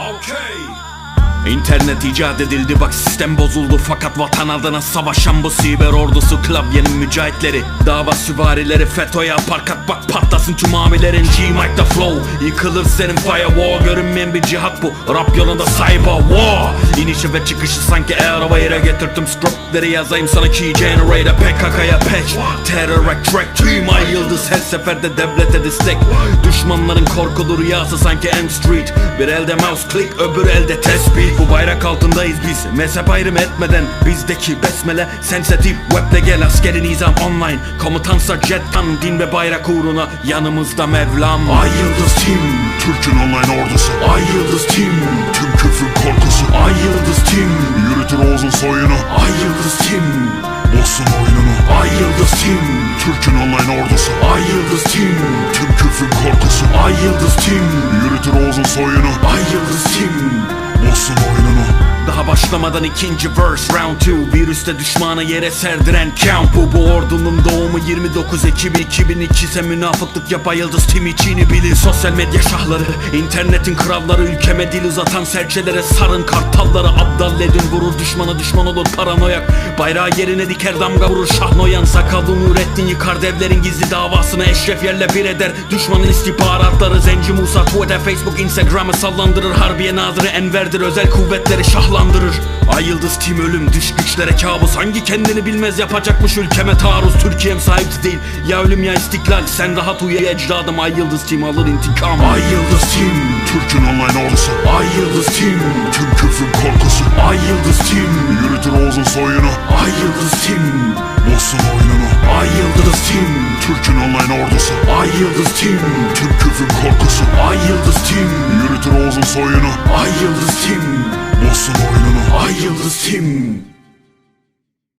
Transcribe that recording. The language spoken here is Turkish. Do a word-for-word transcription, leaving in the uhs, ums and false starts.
İnternet icat edildi, bak sistem bozuldu. Fakat vatan adına savaşan bu siber ordusu, klavyenin mücahitleri, dava süvarileri, FETÖ'ye yapar kat bak patlasın tüm amilerin. G-Mike'da flow, yıkılır senin firewall. Görünmeyen bir cihat bu, rap yolunda cyber war. İnişi ve çıkışı sanki Airwave'e getirdim scriptleri, yazayım sana key generator. P K K'ya patch, terror track, tüm ay yıldız her seferde devlete destek. Düşmanların korkulu rüyası sanki M Street. Bir elde mouse click, öbür elde tespih. Bu bayrak altındayız biz, mezhep ayrım etmeden. Bizdeki besmele sensitif, webde gel askeri nizam online. Komutansa jettan, din ve bayrak uğruna yanımızda Mevlam. Ay Yıldız Team, Türk'ün online ordusu. Ay Yıldız Team, Tüm küfrün korkusu. Ay Yıldız Team, Yürütür Oğuz'un soyunu. Ay Yıldız Team, bozsun oyununu. Ay Yıldız Team, Türk'ün online ordusu. Ay Yıldız Team, Tüm küfrün korkusu. Ay Yıldız Team, Yürütür Oğuz'un soyunu. Ay Yıldız Team. Bozsun oyununu. Daha başlamadan ikinci verse round two. Virüste düşmanı yere serdiren count bu. Bu ordunun doğumu yirmi dokuz Ekim iki bin iki ise münafıklık yap Ay Yıldız Team içini bilin. Sosyal medya şahları, internetin kralları, ülkeme dil uzatan serçelere sarın kartalları. Abdal edin vurur düşmanı, düşman olur paranoyak. Bayrağı yerine diker damga vurur Şahnoyan. Sakallı Nurettin yıkar devlerin gizli davasını, Eşref yerle bir eder düşmanın istihbaratları. Zenci Musa Twitter, Facebook, Instagram'ı sallandırır. Harbiye Nazırı Enver'dir, özel kuvvetleri şahlandırır. Ay Yıldız Team ölüm, dış güçlere kabus. Hangi kendini bilmez yapacakmış ülkeme taarruz. Türkiye'm sahip değil, ya ölüm ya istiklal. Sen rahat uyu ecdadım, Ay Yıldız Team alır intikam. Ay Yıldız Team, Türk'ün online ordusu. Ay Yıldız Team, Tüm küfrün korkusu. Ay Yıldız Team, Yürütür Oğuz'un soyunu. Ay Yıldız Team, bozsun oyununu. Ay Yıldız Team, Türk'ün online ordusu. Ay Yıldız Team, Tüm küfrün korkusu. Ay Yıldız Team, Yürütür Oğuz'un soyunu. Ay Yıldız Team, bozsun oyununu. Ay Yıldız Team.